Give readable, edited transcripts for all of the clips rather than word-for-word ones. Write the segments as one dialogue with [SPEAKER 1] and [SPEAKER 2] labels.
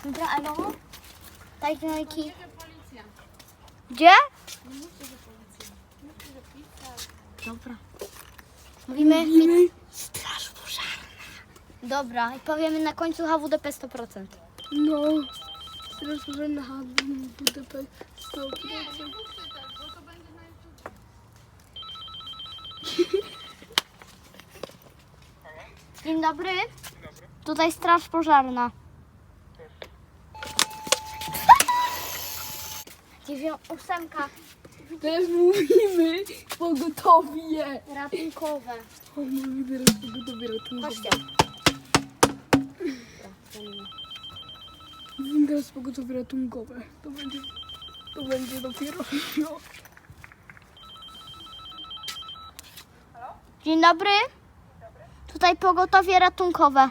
[SPEAKER 1] Dobra, elo? Daj znajki.
[SPEAKER 2] Policja.
[SPEAKER 1] Gdzie?
[SPEAKER 2] Nie mówcie, że policja. Mówcie, że pizza.
[SPEAKER 1] Dobra. Mówimy straż pożarna. Dobra, i powiemy na końcu HWDP 100%.
[SPEAKER 3] No, teraz może na HWDP 100%.
[SPEAKER 2] Nie mówcie tak, bo to będzie na YouTube.
[SPEAKER 1] Dzień dobry. Tutaj straż pożarna. Ósemka.
[SPEAKER 3] Teraz mówimy pogotowie.
[SPEAKER 1] Ratunkowe.
[SPEAKER 3] O, mówimy teraz pogotowie ratunkowe.
[SPEAKER 1] Chodźcie.
[SPEAKER 3] Mówimy teraz pogotowie ratunkowe. To będzie dopiero. No.
[SPEAKER 1] Dzień dobry. Tutaj pogotowie ratunkowe.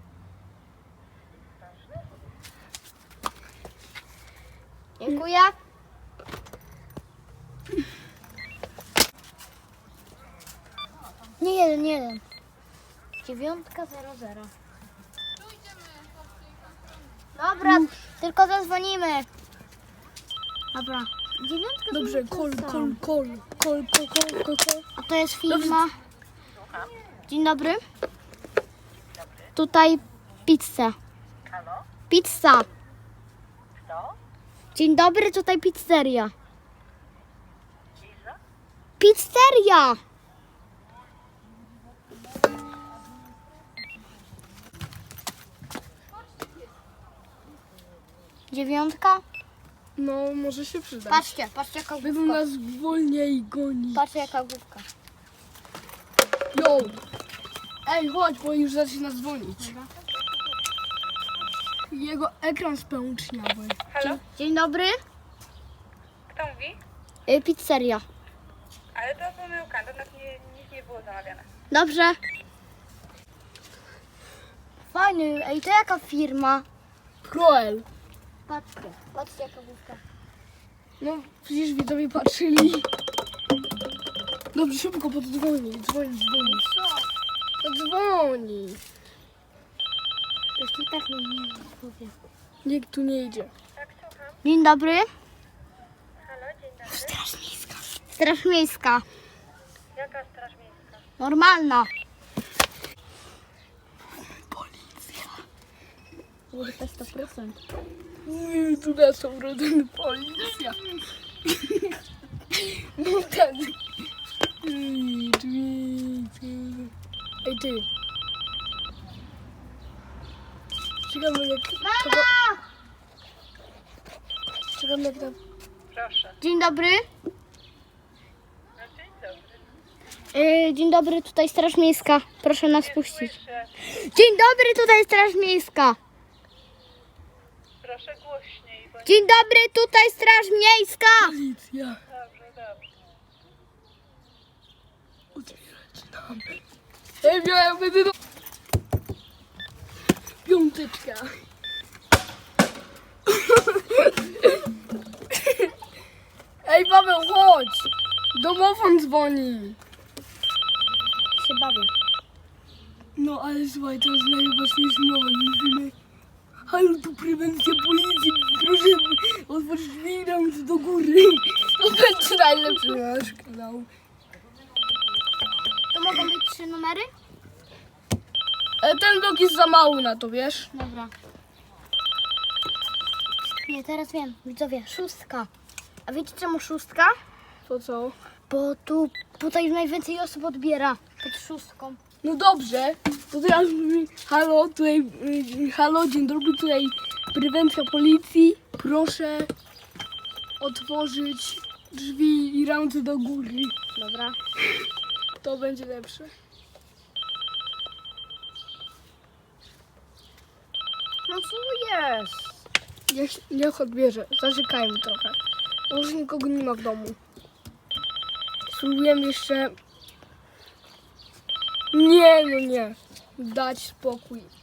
[SPEAKER 1] Dziękuję. Nie jeden, nie jeden. 900. Dobra, tylko zadzwonimy. Dobra. 900.
[SPEAKER 3] Dobrze, kol.
[SPEAKER 1] A to jest firma. Dzień dobry. Tutaj pizza.
[SPEAKER 4] Halo?
[SPEAKER 1] Pizza.
[SPEAKER 4] Kto?
[SPEAKER 1] Dzień dobry, tutaj pizzeria.
[SPEAKER 4] Liza?
[SPEAKER 1] Pizzeria! Dziewiątka?
[SPEAKER 3] No, może się przydać.
[SPEAKER 1] Patrzcie jaka
[SPEAKER 3] Będą
[SPEAKER 1] główka.
[SPEAKER 3] nas wolniej gonić.
[SPEAKER 1] Patrzcie jaka główka.
[SPEAKER 3] Yo! Ej, chodź, bo już zaczyna dzwonić. Jego ekran spełczniały.
[SPEAKER 4] Halo?
[SPEAKER 1] Dzień dobry.
[SPEAKER 4] Kto mówi?
[SPEAKER 1] Pizzeria.
[SPEAKER 4] Ale to pomyłka, do nas nic nie było zamawiane.
[SPEAKER 1] Dobrze. Fajny. Ej, to jaka firma?
[SPEAKER 3] Kroel.
[SPEAKER 1] Patrzcie jaka główka.
[SPEAKER 3] No, przecież widzowie patrzyli. Dobrze, szybko, bo to dzwoni. To dzwoni.
[SPEAKER 1] Jeszcze tak nie powiem.
[SPEAKER 3] Nikt tu nie idzie.
[SPEAKER 4] Tak, słucham.
[SPEAKER 1] Dzień dobry.
[SPEAKER 4] Halo, dzień dobry.
[SPEAKER 1] Straż miejska. Straż miejska.
[SPEAKER 4] Jaka straż miejska?
[SPEAKER 1] Normalna.
[SPEAKER 3] Policja.
[SPEAKER 1] HWDP 100%.
[SPEAKER 3] Tu na są rodziny policja. No ten. Ej, ty. Czekamy jak... Czekamy jak tam...
[SPEAKER 4] Proszę.
[SPEAKER 1] Dzień dobry.
[SPEAKER 4] No, dzień dobry.
[SPEAKER 1] Dzień dobry, tutaj Straż Miejska. Proszę nas puścić.
[SPEAKER 4] Słyszę.
[SPEAKER 1] Dzień dobry, tutaj Straż Miejska.
[SPEAKER 4] Proszę głośniej, bo
[SPEAKER 1] Dzień dobry, tutaj Straż Miejska.
[SPEAKER 3] Policja.
[SPEAKER 4] dobrze.
[SPEAKER 3] Otwierać nam. Ej, miałem będę do... Piąteczka. Ej, Paweł, chodź. Domofon dzwoni.
[SPEAKER 1] Się bawię.
[SPEAKER 3] No, ale słuchaj, teraz najważniejsze mówimy. Halo, tu prewencja policji. Proszę otworzyć drzwi, ręce do góry. To będzie najlepszy nasz kanał.
[SPEAKER 1] To mogą być 3 numery?
[SPEAKER 3] Ten blok jest za mały na to, wiesz?
[SPEAKER 1] Dobra. Nie, teraz wiem. Widzowie, 6. A wiecie czemu 6?
[SPEAKER 3] To co?
[SPEAKER 1] Bo tutaj najwięcej osób odbiera pod 6.
[SPEAKER 3] No dobrze, to teraz mówimy, halo, tutaj, halo, dzień dobry, tutaj prewencja policji, proszę otworzyć drzwi i ręce do góry.
[SPEAKER 1] Dobra.
[SPEAKER 3] To będzie lepsze.
[SPEAKER 1] No co jest?
[SPEAKER 3] Niech odbierze, zaczekajmy trochę. Może nikogo nie ma w domu. Spróbujemy jeszcze... Nie, no nie. Dać spokój.